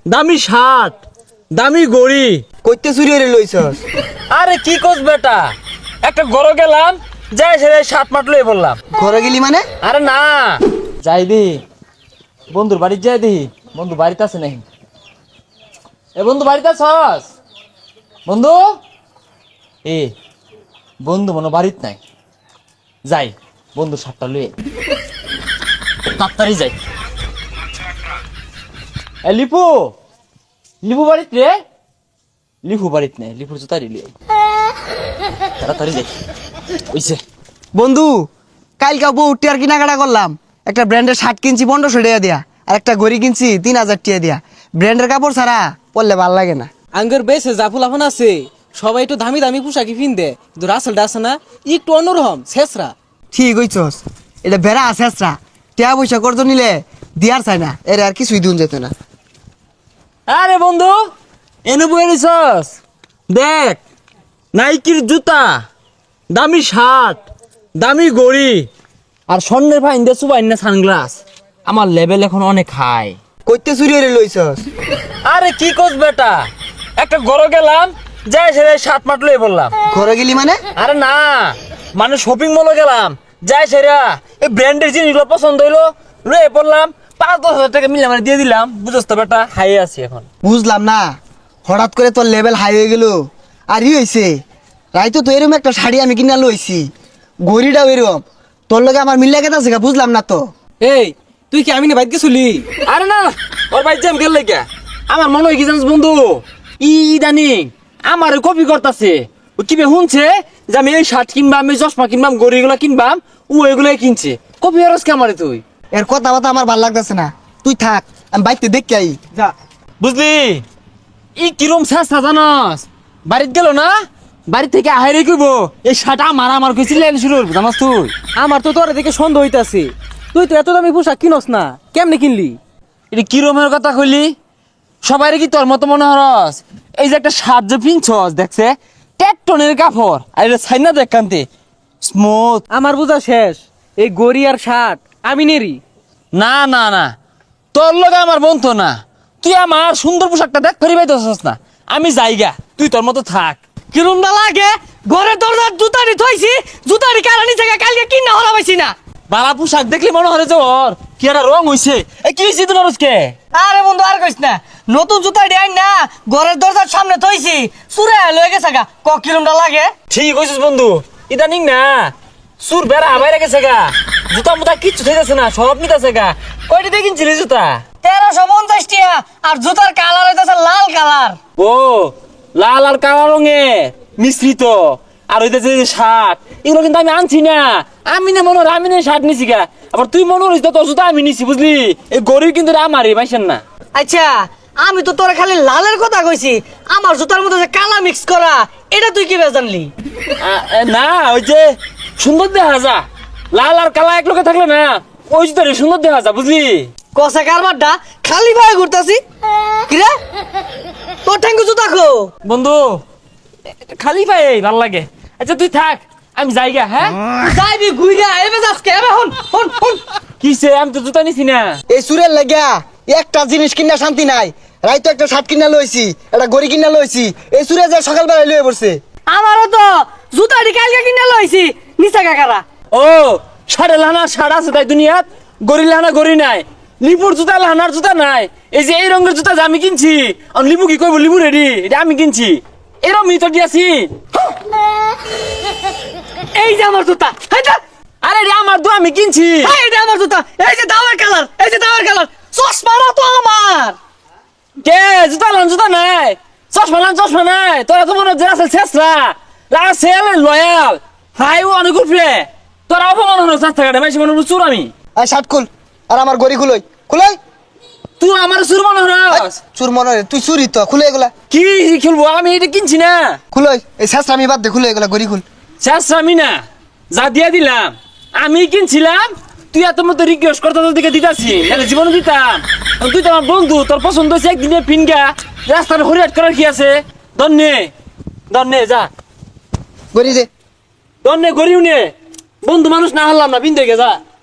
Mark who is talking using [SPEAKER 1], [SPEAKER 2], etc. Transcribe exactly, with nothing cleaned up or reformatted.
[SPEAKER 1] দামি শার্ট, দামি গড়ি।
[SPEAKER 2] কইতে চুরি হয়ে লইছস?
[SPEAKER 1] আরে কি কোস বেটা, একটা ঘরে গেলাম, যাই সেরে শার্ট মাট লই বললাম।
[SPEAKER 2] ঘরে গেলি মানে?
[SPEAKER 1] আরে না, যাই দি বন্ধুর বাড়ি, যাই দি বন্ধু বাড়িতে আছে নাকি। এ বন্ধু বাড়িতে আছস? বন্ধু এ বন্ধু মনে বাড়িত নাই। যাই বন্ধু শার্টটা লই তাড়াতাড়ি যাই। এ লিপু, লিপু বাড়িত রে? লিপু বাড়িত নেই, লিপুর জুতারি লিয়ে তাড়াতাড়ি যাই। ওইছে
[SPEAKER 2] বন্ধু, কালকে বউ টিয়ার কেনাকাটা করলাম, একটা ব্র্যান্ডের শার্ট কিনছি পনেরোশো টাকা দিয়া, আর একটা ঘড়ি কিনছি তিন হাজার টাকা দিয়া। ব্র্যান্ডের কাপড় ছাড়া পরলে ভাল লাগে না।
[SPEAKER 3] আঙ্গের বেশে জাফুল আফান আছে, সবাই একটু দামি দামি পোশাকি পিনদে, কিন্তু রাসেলটা আছে না একটু অন্যরকম শেষরা।
[SPEAKER 2] ঠিক হইছস, এটা ভেড়া আছে আসরা, টিয়া পয়সা করতো নিলে দিয়ার চাই না, এর আর কিছুই দুন যেত না।
[SPEAKER 1] আরে বন্ধু এনে বই নিছস, দেখ নাইকির জুতা, দামি শার্ট, দামি গড়ি, আর স্বর্ণের ভাই ইন্দে সুবাই না সানগ্লাস। আমার লেভেল এখন অনেক হাই।
[SPEAKER 2] কইতে চুরি হয়ে লইছস?
[SPEAKER 1] আরে কি কোস বেটা, একটা ঘরে গেলাম, যাই সেরে শার্ট মাট লই বললাম।
[SPEAKER 2] ঘরে গেলি মানে?
[SPEAKER 1] আরে না, মানে শপিং মলে গেলাম, যাই সেরা এই ব্র্যান্ডের জিনিসগুলো পছন্দ হইলো, লয়ে পড়লাম, পাঁচ দশ হাজার টাকা মিলে মানে দিয়ে দিলাম। বুঝছ তো বেটা, হাই আছি এখন।
[SPEAKER 2] বুঝলাম না, হঠাৎ করে তোর লেভেল হাই হয়ে গেল। আর ই হয়েছে, রাইতো তো এরকম একটা শাড়ি আমি কিনা লইছি, ঘড়িটাও এরকম, তোর লগে আমার মিল্লা কেতা আছে বুঝলাম না তো।
[SPEAKER 3] এই তুই কি আমি না বাইক গেছিলি?
[SPEAKER 1] আরে না, ওর ভাই জ্যাম গেল লেগে আমার মনে হয় কি জানিস বন্ধু, ই ইদানিং আমার কপি করতেছে। ও কি বে শুনছে যে আমি এই শার্ট কিনবাম, আমি চশমা কিনবাম, গড়িগুলো কিনবাম, ও এগুলাই কিনছে। কপি হরস কে আমারে তুই?
[SPEAKER 2] এর কথা বাতা আমার ভাল লাগতেছে না, তুই থাক, আমি বাইতে দেখি আই যা।
[SPEAKER 1] বুঝলি ই কিরম চেষ্টা জানস, বাড়িতে গেল না, বাড়ি থেকে আহারে কইব এই শার্ট আমার আমার কইছিল শুরু করবো জানাস তুই।
[SPEAKER 3] আমার তো তোর দেখে সন্দেহ হইতাছে, তুই তো এত দামি পোশাক কিনস না, কেমনে কিনলি?
[SPEAKER 1] এটা কিরমের কথা কইলি? সবাই কি তোর মতো মনে হরস? এই যে একটা শার্ট যে পিনছস দেখছে টেকটনের কাপড়, আর এটা ছাইনা দেখ কান্তে স্মুথ।
[SPEAKER 3] আমার বোঝা শেষ, এই গড়ি আর শার্ট আমি নেরি।
[SPEAKER 1] না না না, তোর লগে আমার বন্ধু না, তুই আমার সুন্দর পোশাকটা দেখ ফেরি পাইতেছস না। আমি যাইগা, তুই তোর মতো থাক।
[SPEAKER 3] কিরম না লাগে, ঘরের দরজার জুতারি থইছি, জুতারি কারানি থেকে কালকে কিনা হলা পাইছি না।
[SPEAKER 1] বালা পোশাক দেখলি মনে হয় যে ওর কি একটা রং হইছে। এই কি হইছে তোর আজকে?
[SPEAKER 2] আরে বন্ধু আর কইস না, নতুন জুতা ডিয়াই না ঘরের দরজার সামনে থইছি, চুরে লয়ে গেছে গা, ক কিলোমটা লাগে।
[SPEAKER 1] ঠিক কইছিস বন্ধু, ইদানিং না সুর বেড়া বাইরে গেছে গা, জুতা মুতা কিচ্ছু থাকতেছে না, সব নিতেছে গা। কয়টা দিয়ে কিনছিলি জুতা?
[SPEAKER 2] তেরোশো পঞ্চাশ টিয়া, আর জুতার কালার হইতেছে লাল কালার।
[SPEAKER 1] ও লাল আর কালো রঙের মিশ্রিত। আর হইতেছে যে শার্ট, এগুলো কিন্তু আমি আনছি না, আমি না মনে হয় আমি না শার্ট নিছি গা। আবার তুই মনে হইস তোর জুতা আমি নিছি, বুঝলি? এই গরিব কিন্তু আমারই পাইছেন না।
[SPEAKER 2] আচ্ছা, আমি তো তোরা খালি লালের কথা কইছি, আমার জুতার মধ্যে যে কালা মিক্স করা, এটা তুই কি জানলি?
[SPEAKER 1] আ- এ, না ওই যে সুন্দর দেখা যা, লাল আর কালা এক লোকে থাকলে না ওই জুতারে সুন্দর দেখা যা, বুঝলি?
[SPEAKER 2] কষা কারবারটা খালি ভাবে ঘুরতাছি। কিরে তোর ঠ্যাঙ্গু জুতা খো।
[SPEAKER 1] বন্ধু খালি পাই ভাল লাগে। আচ্ছা তুই থাক, আমি যাইগা। হ্যাঁ
[SPEAKER 2] যাইবি ঘুইরা এবে আজকে এবে হন হন হন।
[SPEAKER 1] কিসে, আমি তো জুতা নিছি না।
[SPEAKER 2] এই সুরের লাগিয়া একটা জিনিস কিনা শান্তি নাই, রাইতো একটা শার্ট কিনা লইছি, একটা গড়ি কিনা লইছি, এই সুরে যে সকালবেলা লয়ে পড়ছে। আমারও তো জুতাটি কালকে কিনা লইছি, নিচা কাকারা।
[SPEAKER 1] ও সাড়ে লানা সাড়া আছে তাই দুনিয়াত, গড়ি লানা গড়ি নাই, লিপুর জুতা লানার জুতা নাই। এই যে এই রঙের জুতা যে আমি কিনছি, আর লিপু কি কইব লিপু রেডি, এটা আমি কিনছি, এরম মিতর দিয়াছি।
[SPEAKER 2] এই যে আমার জুতা, হাইটা
[SPEAKER 1] আরে রে আমার দু আমি কিনছি।
[SPEAKER 2] এই যে আমার জুতা, এই যে দাওয়ার কালার, এই যে দাওয়ার কালার, চশমাটা তো আমার।
[SPEAKER 1] কে জুতা লান জুতা নাই, চশমা লান চশমা নাই, তোরা তো মনে হচ্ছে রাসেল শেষরা, রাসেল লয়াল হাই ও অনেক উপরে, তোরা অপমান হলো চার টাকাটা বেশি মনে চুর আমি।
[SPEAKER 2] এই শার্ট খুল, আর আমার গড়ি খুলই খুলই।
[SPEAKER 1] তুই আমার চুর মনে হস?
[SPEAKER 2] চুর মনে হয়, তুই চুরি তো, খুলে এগুলা
[SPEAKER 1] কি খেলবো, আমি এটা কিনছি না।
[SPEAKER 2] খুলই, এই শেষ আমি বাদ দে, খুলে এগুলা গড়ি খুল।
[SPEAKER 1] শেষ আমি না, যা দিয়া দিলাম আমি কিনছিলাম, তুই এত মতো রিকোয়েস্ট করতে তোর দিকে দিতাছি, নাহলে জীবনে দিতাম। তুই তো আমার বন্ধু, তোর পছন্দ হয়েছে একদিনে পিনগা, রাস্তার হরিয়াট করার কি আছে? দন্নে দন্নে যা,
[SPEAKER 2] গড়ি দে।
[SPEAKER 1] দন্নে গরিব নে, বন্ধু মানুষ না হারলাম না, পিন দেখে যা।